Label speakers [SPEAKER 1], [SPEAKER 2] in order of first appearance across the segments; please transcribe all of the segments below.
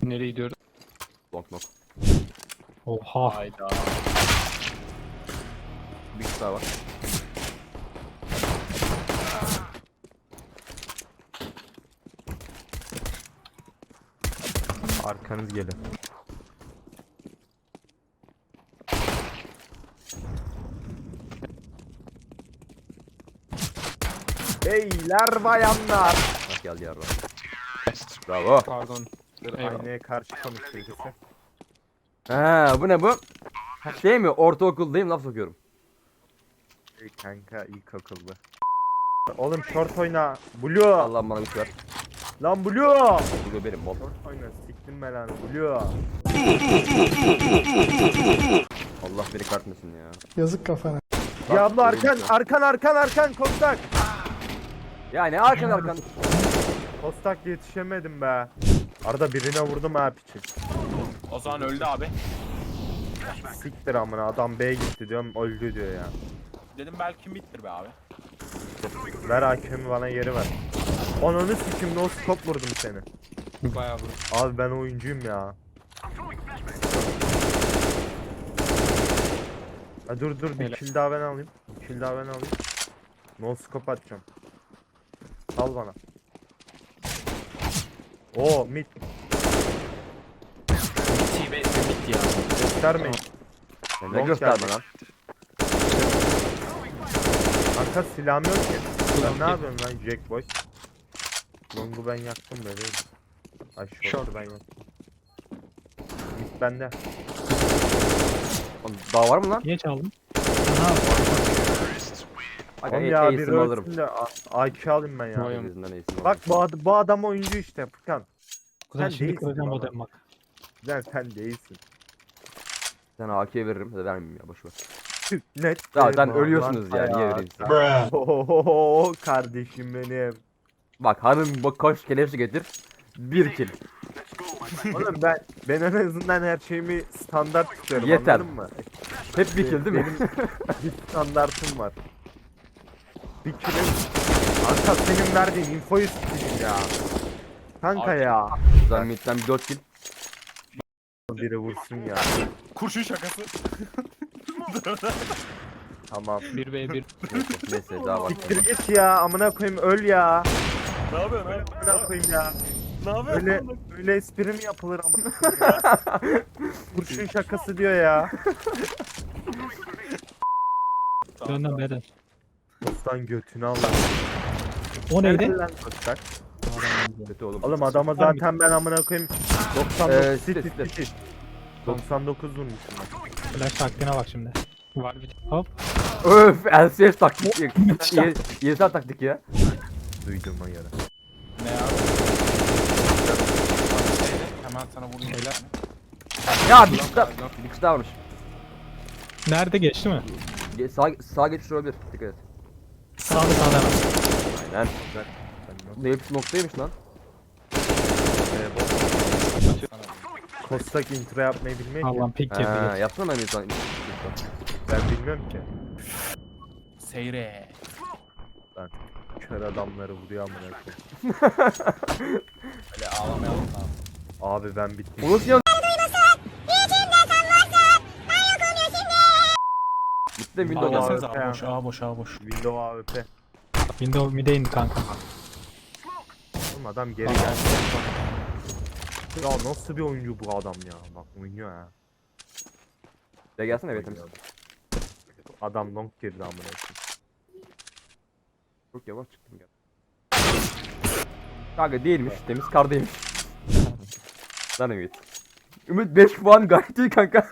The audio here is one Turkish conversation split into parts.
[SPEAKER 1] Nereye gidiyoruz?
[SPEAKER 2] Long long.
[SPEAKER 1] Oha.
[SPEAKER 3] Hayda.
[SPEAKER 2] Bir kişi daha var.
[SPEAKER 4] Arkanız gelin. Beyler bayanlar.
[SPEAKER 2] Bak geldi yarra. Bravo.
[SPEAKER 1] Pardon.
[SPEAKER 4] Aynaya karşı konuşuyoruz.
[SPEAKER 2] Ha bu ne bu? Şey mi? Ortaokuldayım laf sokuyorum.
[SPEAKER 4] Ey kanka ilkokulda. Oğlum short oyna. Blue.
[SPEAKER 2] Allah'ım bana güç ver.
[SPEAKER 4] Lan Blue.
[SPEAKER 2] Bu benim bol.
[SPEAKER 4] Short oyna. Siktim ben lan Blue.
[SPEAKER 2] Allah beni kartmasın ya.
[SPEAKER 5] Yazık kafana.
[SPEAKER 4] Ya abla
[SPEAKER 2] benim
[SPEAKER 4] arkan Kostak.
[SPEAKER 2] Ya ne arkan.
[SPEAKER 4] Kostak yetişemedim be. Arada birine vurdum ha piçi.
[SPEAKER 3] O zaman öldü abi.
[SPEAKER 4] Siktir amına adam B'ye gitti diyorum öldü diyor ya.
[SPEAKER 3] Dedim belki bittir be abi.
[SPEAKER 4] Ver hakemi bana geri ver. Ananı sikim no scope vurdum seni.
[SPEAKER 1] Bayağı vurdu.
[SPEAKER 4] Abi ben oyuncuyum ya. Ha, dur bir
[SPEAKER 1] Öyle.
[SPEAKER 4] kill daha ben alayım. Bir kill daha ben alayım. No scope atacağım. Al bana. Oo mid
[SPEAKER 3] T-Base bitti ya.
[SPEAKER 4] göstermeyin.
[SPEAKER 2] Sen ne
[SPEAKER 4] Long
[SPEAKER 2] gösterme
[SPEAKER 4] geldi.
[SPEAKER 2] lan.
[SPEAKER 4] Arka silahım yok ki. Sen
[SPEAKER 1] Long
[SPEAKER 4] ne yapıyorsun lan Jack Boy? Long'u ben yaktım bebeğim. Ay short'u
[SPEAKER 1] Short.
[SPEAKER 4] ben yaktım. Mid bende.
[SPEAKER 2] Oğlum, daha var mı lan?
[SPEAKER 5] Niye çaldın?
[SPEAKER 2] Aga
[SPEAKER 4] Oğlum ya bir
[SPEAKER 2] ace'imi alırım.
[SPEAKER 4] ölsün de IQ alayım ben ya.
[SPEAKER 1] Vay.
[SPEAKER 2] Yüzünden ace'imi
[SPEAKER 4] Bak
[SPEAKER 2] alırım.
[SPEAKER 4] bu adam oyuncu işte Furkan.
[SPEAKER 5] Kuzen
[SPEAKER 4] Sen
[SPEAKER 5] şimdi
[SPEAKER 4] değilsin
[SPEAKER 5] kıracağım
[SPEAKER 4] baba.
[SPEAKER 5] modem bak.
[SPEAKER 4] Sen değilsin.
[SPEAKER 2] Sen AK'ye veririm ya da vermeyeyim ya boşver.
[SPEAKER 4] Net.
[SPEAKER 2] Zaten ölüyorsunuz ya niye vereyim size?
[SPEAKER 4] Ohohoho kardeşim benim.
[SPEAKER 2] Bak hanım bak koş kelepçe getir. 1 kill.
[SPEAKER 4] Oğlum ben en azından her şeyimi standart tutuyorum
[SPEAKER 2] Yeter.
[SPEAKER 4] anladın mı?
[SPEAKER 2] Hep 1 kill değil mi?
[SPEAKER 4] Benim bir standartım var. Bir kill'im. Kanka senin verdiğin infoyu sikeyim ya. Kanka
[SPEAKER 3] Abi-
[SPEAKER 4] ya.
[SPEAKER 2] Zaten midden bir 4 kill.
[SPEAKER 4] Biri vursun ya.
[SPEAKER 3] Kurşun şakası.
[SPEAKER 4] Tamam.
[SPEAKER 1] 1v1.
[SPEAKER 2] Neyse daha var.
[SPEAKER 4] Siktir git ya amına koyayım öl ya.
[SPEAKER 3] Ne yapıyorsun abi?
[SPEAKER 4] Amına koyayım ya.
[SPEAKER 3] Ne yapıyorsun?
[SPEAKER 4] Öyle espri mi yapılır amına koyayım ya? Kurşun şakası diyor ya.
[SPEAKER 5] Döndüm beden.
[SPEAKER 4] Dostan götünü al.
[SPEAKER 5] O neydi?
[SPEAKER 4] Helal lan Kostak.
[SPEAKER 2] Kötü oğlum.
[SPEAKER 4] Oğlum adama zaten ben amına koyayım 99
[SPEAKER 2] site,
[SPEAKER 4] sit
[SPEAKER 2] site.
[SPEAKER 4] sit. 99 vurmuşum ben.
[SPEAKER 5] Flash taktiğine bak şimdi.
[SPEAKER 1] Var bir.
[SPEAKER 5] Hop.
[SPEAKER 2] Öf LCS taktik. YSL taktik ya.
[SPEAKER 4] Duyduğuma göre.
[SPEAKER 3] Ne abi? Hemen sana vurayım.
[SPEAKER 1] Helal.
[SPEAKER 2] Ya bir kişi daha varmış.
[SPEAKER 5] Nerede geçti mi?
[SPEAKER 2] Sağ geçiş olabilir. Dikkat et.
[SPEAKER 5] Sağda hemen.
[SPEAKER 2] Aynen.
[SPEAKER 4] Ben
[SPEAKER 2] Bu hepsi noktaymış lan.
[SPEAKER 4] Kostak intro yapmayı bilmiyor ki.
[SPEAKER 5] Allah'ım pik girdi.
[SPEAKER 2] Ha, yapsana ben insan.
[SPEAKER 4] Ben bilmiyorum ki.
[SPEAKER 3] Seyre.
[SPEAKER 4] Kör adamları vuruyor amına koyayım.
[SPEAKER 3] Öyle ağlamayalım da.
[SPEAKER 4] Abi ben bittim.
[SPEAKER 2] Onu nasıl yan... Bitti mi window
[SPEAKER 4] Allah.
[SPEAKER 2] geldi.
[SPEAKER 3] Ağlasanız abi boş boş.
[SPEAKER 4] Windows AWP.
[SPEAKER 5] Window mid'e indi kanka.
[SPEAKER 4] Oğlum adam geri geldi. Ya nasıl bir oyuncu bu adam ya? Bak oynuyor ha.
[SPEAKER 2] De gelsene evet temiz.
[SPEAKER 4] Adam long girdi amına koyayım.
[SPEAKER 2] Çok yavaş çıktım ya. Kanka değilmiş temiz kardaymış. Lan Ümit. Ümit 5 puan gayet iyi kanka.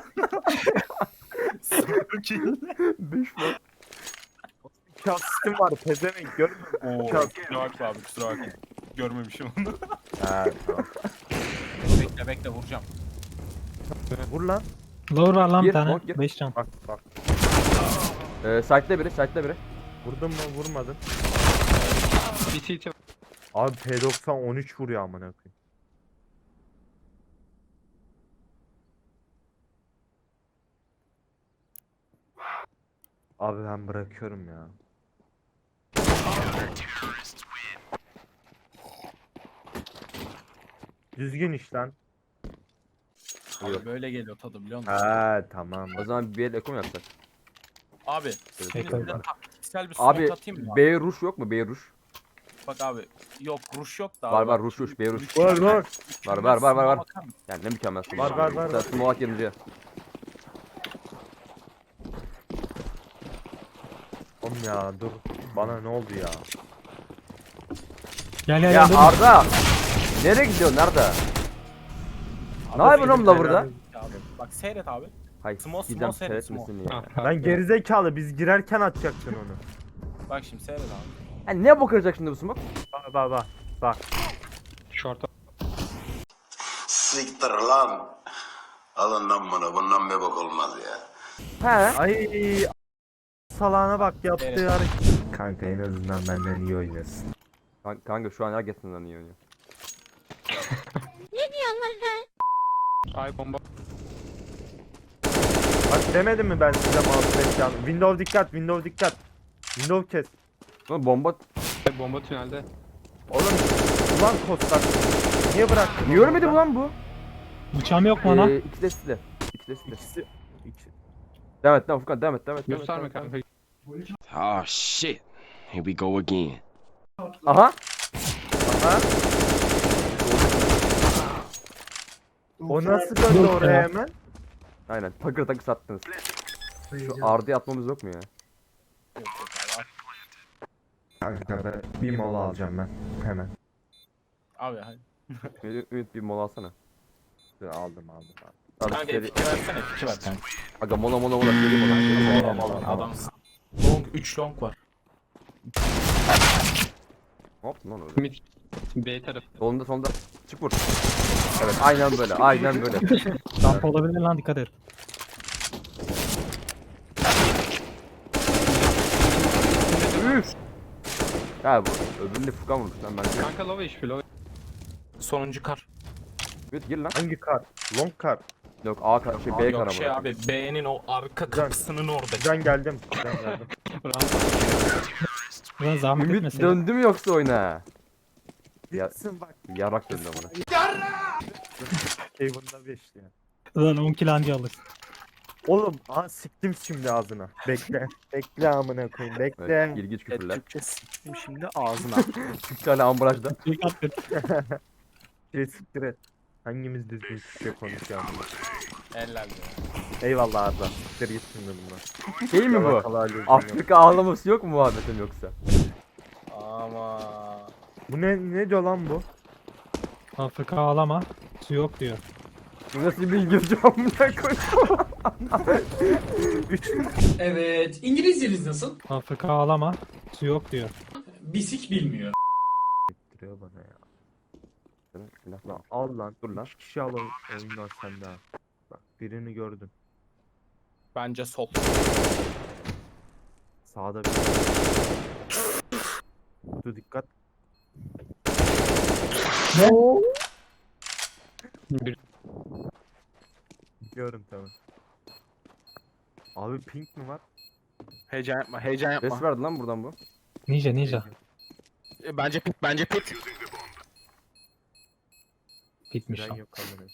[SPEAKER 2] 5 puan.
[SPEAKER 4] İki asistim var pezevenk görmüyor musun?
[SPEAKER 3] Oo,
[SPEAKER 4] Çok-
[SPEAKER 3] kusura bakma abi kusura bakma. Görmemişim onu.
[SPEAKER 4] He tamam.
[SPEAKER 3] Bekle vuracağım.
[SPEAKER 4] Vur lan.
[SPEAKER 5] Lower var lan bir
[SPEAKER 2] Gir,
[SPEAKER 5] tane.
[SPEAKER 2] long gir.
[SPEAKER 5] 5 can.
[SPEAKER 4] Bak.
[SPEAKER 2] Site'de biri.
[SPEAKER 4] Vurdun mu vurmadın.
[SPEAKER 1] Bir CT var.
[SPEAKER 4] Abi P90 13 vuruyor amına koyayım. Abi ben bırakıyorum ya. Düzgün iş lan.
[SPEAKER 3] Abi böyle geliyor tadı biliyor musun?
[SPEAKER 4] Ha tamam.
[SPEAKER 2] O zaman bir el eko mu yapsak?
[SPEAKER 3] Abi.
[SPEAKER 2] Evet,
[SPEAKER 3] Şimdi
[SPEAKER 5] Eko.
[SPEAKER 3] size taktiksel bir smoke
[SPEAKER 2] Abi
[SPEAKER 3] atayım mı?
[SPEAKER 2] B ruş yok mu? B ruş.
[SPEAKER 3] Bak abi. Yok rush yok da abi.
[SPEAKER 2] Var var
[SPEAKER 3] bak.
[SPEAKER 2] ruş ruş B ruş.
[SPEAKER 4] Var var.
[SPEAKER 2] Var.
[SPEAKER 3] Smoke'a bakar mısın?
[SPEAKER 2] Yani ne mükemmel.
[SPEAKER 4] Var.
[SPEAKER 2] Sen smolak gelince.
[SPEAKER 4] Oğlum ya dur. Bana ne oldu ya?
[SPEAKER 5] Gel
[SPEAKER 2] Ya
[SPEAKER 5] dur.
[SPEAKER 2] Arda. Nereye gidiyorsun Arda? Ne yapıyorsun oğlum la burada?
[SPEAKER 3] Abi, bak seyret abi.
[SPEAKER 2] Hayır.
[SPEAKER 3] Small,
[SPEAKER 2] Gideceğim
[SPEAKER 3] small seyret,
[SPEAKER 2] seyretmesin ya.
[SPEAKER 4] Lan gerizekalı biz girerken atacaktın onu.
[SPEAKER 3] Bak şimdi seyret abi.
[SPEAKER 2] Yani ne bakacak şimdi bu smoke?
[SPEAKER 4] Bak.
[SPEAKER 1] Short.
[SPEAKER 6] Siktir lan. Alın lan bunu. Bundan bir bok olmaz ya.
[SPEAKER 2] He.
[SPEAKER 4] Ay salağına bak yaptığı
[SPEAKER 3] Evet.
[SPEAKER 4] hareket. Kanka en azından benden iyi oynuyorsun.
[SPEAKER 2] Kanka şu an herkesinden iyi oynuyor.
[SPEAKER 1] Ay bomba.
[SPEAKER 4] Bak demedim mi ben size mouse ekranı? Windows dikkat. Windows kes.
[SPEAKER 2] Sonra bomba
[SPEAKER 1] Bomba tünelde.
[SPEAKER 4] Oğlum ulan kostak. Niye bıraktın?
[SPEAKER 2] niye ölmedi bu lan bu?
[SPEAKER 5] Bıçağım yok mu ana?
[SPEAKER 2] İkisi de sizde. İkisi de sizde.
[SPEAKER 4] İkisi.
[SPEAKER 2] Devam et lan Furkan devam et.
[SPEAKER 1] Gösterme kanka.
[SPEAKER 7] Oh shit. Here we go again.
[SPEAKER 2] Aha.
[SPEAKER 4] Aha. O nasıl döndü
[SPEAKER 5] Yok
[SPEAKER 4] oraya
[SPEAKER 5] ya.
[SPEAKER 4] hemen?
[SPEAKER 2] Aynen. Takır takır sattınız. Şu Arda'ya atmamız yok mu ya?
[SPEAKER 3] Yok yok abi.
[SPEAKER 4] Kanka ben bir mola alacağım ben. Hemen.
[SPEAKER 3] Abi hadi.
[SPEAKER 2] Ümit bir mola alsana.
[SPEAKER 4] Aldım.
[SPEAKER 2] Abi
[SPEAKER 3] Kanka
[SPEAKER 2] seri...
[SPEAKER 3] F2 versene F2 ver kanka.
[SPEAKER 2] Aga mola seri mola.
[SPEAKER 3] Adamsın. Long 3 long var.
[SPEAKER 2] Ne yaptın lan öyle?
[SPEAKER 1] Mid. B tarafı.
[SPEAKER 2] Solunda. Çık vur. Evet aynen böyle.
[SPEAKER 5] Damp olabilir lan, dikkat et.
[SPEAKER 2] Üf. Ha bu öbüründe Furkan vurmuş lan ben.
[SPEAKER 1] Kanka low HP low.
[SPEAKER 3] Sonuncu kar.
[SPEAKER 2] Ümit gir lan.
[SPEAKER 4] Hangi kar? Long kar.
[SPEAKER 2] Yok A kar şey B kar
[SPEAKER 3] Yok
[SPEAKER 2] ama.
[SPEAKER 3] şey abi B'nin o arka kapısının orada.
[SPEAKER 4] Can geldim.
[SPEAKER 5] Ulan zahmet
[SPEAKER 2] Ümit
[SPEAKER 5] etmeseydin.
[SPEAKER 2] döndü mü yoksa oyuna? Ya,
[SPEAKER 4] Gitsin bak.
[SPEAKER 2] yarak döndü amına.
[SPEAKER 4] Haven'da 5 ya.
[SPEAKER 5] Ulan 10 kilo anca alırsın.
[SPEAKER 4] Oğlum siktim şimdi ağzına. Bekle. Bekle amına koyayım. Bekle.
[SPEAKER 2] Evet, ilginç küfürler.
[SPEAKER 3] Türkçe siktim şimdi ağzına.
[SPEAKER 2] 3 tane ambalajda.
[SPEAKER 5] Dikkat et.
[SPEAKER 4] Siktir et. Hangimiz düzgün Türkçe konuşuyor amına?
[SPEAKER 3] Eller ya.
[SPEAKER 4] Eyvallah Arda. Siktir git şimdi bundan.
[SPEAKER 2] Şey mi bu?
[SPEAKER 4] Yalakalı halledin.
[SPEAKER 2] Afrika ağlaması yok mu muhabbetin yoksa?
[SPEAKER 3] Ama
[SPEAKER 4] Bu ne diyor lan bu?
[SPEAKER 5] Afrika ağlama. Su yok diyor.
[SPEAKER 2] Bu nasıl bir İngilizce amına koyayım?
[SPEAKER 8] Evet. İngilizceniz nasıl?
[SPEAKER 5] Afrika ağlama. Su yok diyor.
[SPEAKER 8] Bisik bilmiyor.
[SPEAKER 4] Diyor bana ya.
[SPEAKER 2] Silah
[SPEAKER 4] Lan al lan.
[SPEAKER 2] Dur lan.
[SPEAKER 4] 3 kişi al oyundan sen daha. Bak birini gördüm.
[SPEAKER 3] bence sol.
[SPEAKER 4] Sağda bir. Dur dikkat.
[SPEAKER 1] Bir
[SPEAKER 4] Biliyorum tamam. Abi pink mi var?
[SPEAKER 3] Heyecan yapma.
[SPEAKER 2] Ses verdi lan buradan bu.
[SPEAKER 5] Ninja.
[SPEAKER 3] Bence pit.
[SPEAKER 5] Bitmiş
[SPEAKER 4] Fren
[SPEAKER 5] lan.
[SPEAKER 4] yok kamera.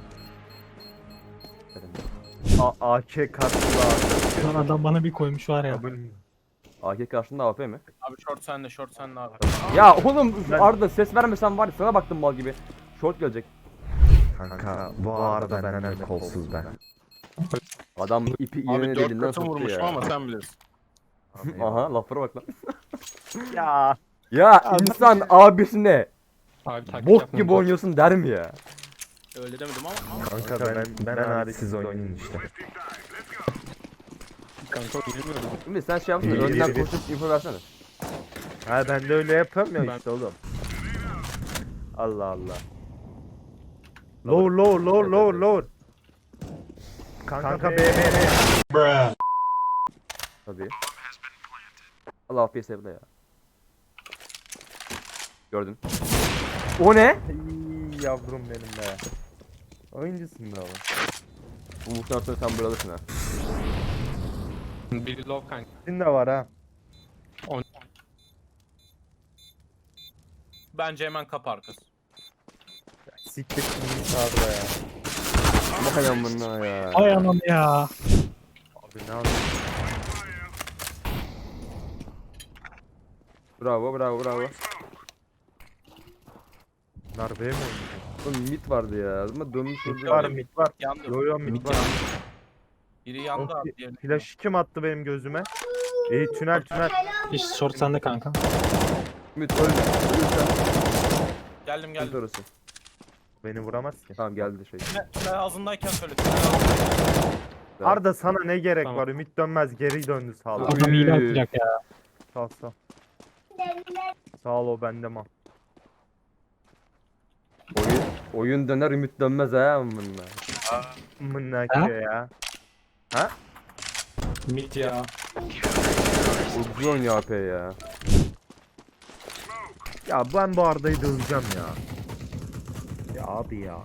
[SPEAKER 4] AK kartlı abi.
[SPEAKER 5] Lan adam bana bir koymuş var ya.
[SPEAKER 4] Kabul.
[SPEAKER 2] AK karşında AP mi?
[SPEAKER 3] Abi short sende abi.
[SPEAKER 2] Ya oğlum
[SPEAKER 4] Ben-
[SPEAKER 2] Arda ses vermesen var ya sana baktım mal gibi. Short gelecek.
[SPEAKER 4] Kanka bu arada benden kolsuz ben.
[SPEAKER 2] Adam ipi
[SPEAKER 3] Abi
[SPEAKER 2] iğne
[SPEAKER 3] 4
[SPEAKER 2] elinden
[SPEAKER 3] katı
[SPEAKER 2] soktu
[SPEAKER 3] vurmuşum
[SPEAKER 2] ya.
[SPEAKER 3] ama sen bilirsin.
[SPEAKER 2] Aha laflara bak lan.
[SPEAKER 4] Ya.
[SPEAKER 2] Ya insan abisine
[SPEAKER 1] abi taktik
[SPEAKER 2] bok
[SPEAKER 1] yapma.
[SPEAKER 2] gibi oynuyorsun der mi ya?
[SPEAKER 3] Öyle demedim ama.
[SPEAKER 4] Kanka ben hariç siz oynayın işte.
[SPEAKER 1] Kanka bilmiyorum.
[SPEAKER 2] Şimdi sen şey yapsana
[SPEAKER 4] İyi,
[SPEAKER 2] önden
[SPEAKER 4] iyi.
[SPEAKER 2] koşup info versene.
[SPEAKER 4] Ha ben de öyle yapıyorum ya
[SPEAKER 2] Ben-
[SPEAKER 4] işte oğlum. Allah Allah. Lower. Kanka B.
[SPEAKER 2] Tabii. Allah afiyet sevdi ya. Gördün. O ne?
[SPEAKER 4] Ey yavrum benim be. Oyuncusun be oğlum.
[SPEAKER 2] Bu muhtemelen sonra sen böyle alırsın ha.
[SPEAKER 1] Biri low kanka.
[SPEAKER 4] Senin de var ha.
[SPEAKER 3] Bence hemen kapı arkası.
[SPEAKER 4] Siktir şimdi sağda ya.
[SPEAKER 2] Vay amına ya.
[SPEAKER 5] Ay anam ya.
[SPEAKER 4] Abi ne yapayım?
[SPEAKER 2] Bravo bravo bravo.
[SPEAKER 4] Bunlar B mi oynuyor?
[SPEAKER 2] Oğlum mid vardı ya. Ama dönmüş
[SPEAKER 4] Mid
[SPEAKER 2] oldu.
[SPEAKER 4] var mid var.
[SPEAKER 3] Yandı.
[SPEAKER 4] Yo yo mid var.
[SPEAKER 3] Biri yandı
[SPEAKER 4] O
[SPEAKER 3] abi. Diğeri.
[SPEAKER 4] Flash kim attı benim gözüme? İyi tünel tünel.
[SPEAKER 5] İş short sende kanka.
[SPEAKER 2] Ümit ölme. Ölürsen
[SPEAKER 3] Geldim
[SPEAKER 2] sıkıntı
[SPEAKER 3] geldim.
[SPEAKER 2] orası.
[SPEAKER 4] Beni vuramaz ki.
[SPEAKER 2] Tamam geldi şey.
[SPEAKER 3] Tünel ağzındayken söyle. Tünel ağzındayken.
[SPEAKER 4] Arda sana ne gerek
[SPEAKER 1] Tamam.
[SPEAKER 4] var? Ümit dönmez geri döndü sağ ol.
[SPEAKER 5] Adam hile atacak ya.
[SPEAKER 4] Sağ ol, sağ ol. Sağ ol o bende mal.
[SPEAKER 2] Oyun döner ümit dönmez ha amına.
[SPEAKER 4] Mınnaki ya.
[SPEAKER 8] Mit ya.
[SPEAKER 2] Ucuz oynuyor AP ya.
[SPEAKER 4] Ya ben bu Arda'yı döveceğim ya. Ya abi ya.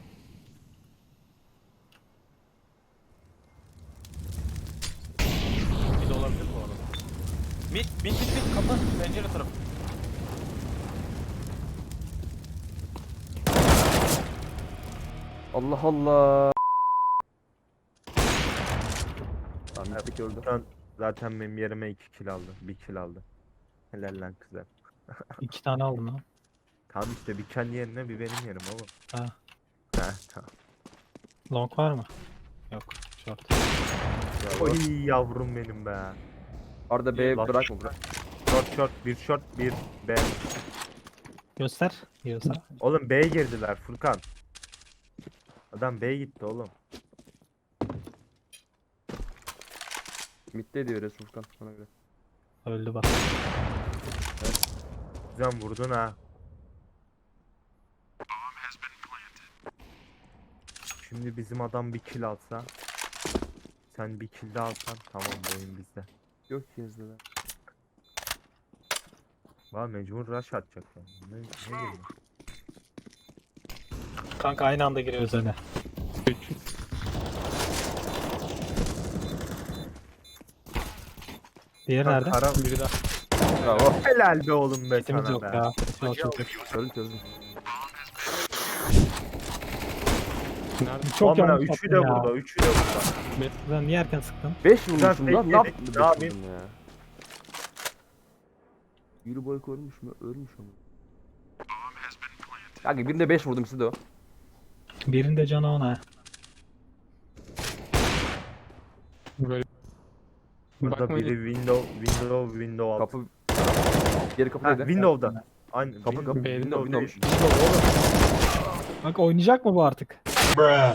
[SPEAKER 3] Bir de olabilir bu arada. Mid kapı. Pencere tarafı.
[SPEAKER 2] Allah Allah. Tamam bir öldü.
[SPEAKER 4] Zaten benim yerime 2 kill aldı. 1 kill aldı. Helal lan kızlar.
[SPEAKER 5] 2 tane aldım lan.
[SPEAKER 4] Tamam işte bir kendi yerine bir benim yerim oğlum.
[SPEAKER 5] Ha.
[SPEAKER 4] Ha tamam.
[SPEAKER 5] Long var mı? Yok. Short.
[SPEAKER 4] Oy yavrum benim be.
[SPEAKER 2] Arda B
[SPEAKER 4] Lan.
[SPEAKER 2] bırakma bırak.
[SPEAKER 4] Short bir short bir B.
[SPEAKER 5] Göster. Yiyorsa.
[SPEAKER 4] Oğlum B'ye girdiler Furkan. Adam B'ye gitti oğlum.
[SPEAKER 2] Mid'de diyor Resul Furkan bana göre.
[SPEAKER 5] Öldü bak.
[SPEAKER 4] Güzel vurdun ha. Şimdi bizim adam bir kill alsa. Sen bir kill de alsan tamam bu oyun bizde.
[SPEAKER 2] Yok yazdılar.
[SPEAKER 4] Valla mecbur rush atacak yani. Ne geliyor?
[SPEAKER 5] Kanka aynı anda giriyoruz öne. Diğeri nerede?
[SPEAKER 4] Kara...
[SPEAKER 1] Biri daha.
[SPEAKER 2] Bravo.
[SPEAKER 4] Helal be oğlum be
[SPEAKER 5] Kitimiz
[SPEAKER 4] sana
[SPEAKER 5] yok
[SPEAKER 4] be.
[SPEAKER 5] ya. Short yok.
[SPEAKER 2] Çözdüm çözdüm.
[SPEAKER 1] Nerede?
[SPEAKER 5] Çok
[SPEAKER 4] Amına
[SPEAKER 5] yanlış
[SPEAKER 4] üçü de
[SPEAKER 5] attın ya.
[SPEAKER 4] burada, üçü de burada.
[SPEAKER 5] Sen niye erken sıktın?
[SPEAKER 2] 5 vurmuşum
[SPEAKER 4] Sen
[SPEAKER 2] lan. Ne
[SPEAKER 4] yedik,
[SPEAKER 2] yaptın?
[SPEAKER 4] ne yapayım?
[SPEAKER 2] Ya. Yürü boy ölmüş mü? Ölmüş ama. Kanka birinde 5 vurdum size de o.
[SPEAKER 5] Birinde canı ona.
[SPEAKER 1] Böyle.
[SPEAKER 4] Burada
[SPEAKER 1] Bakmayın.
[SPEAKER 4] biri window alt.
[SPEAKER 2] Kapı. Geri kapı
[SPEAKER 4] Ha,
[SPEAKER 2] neydi?
[SPEAKER 4] window'da. Aynı
[SPEAKER 2] Kapı kapı.
[SPEAKER 1] B'de
[SPEAKER 2] Window
[SPEAKER 4] window
[SPEAKER 2] window.
[SPEAKER 4] değil. Window oğlum.
[SPEAKER 5] Bak oynayacak mı bu artık?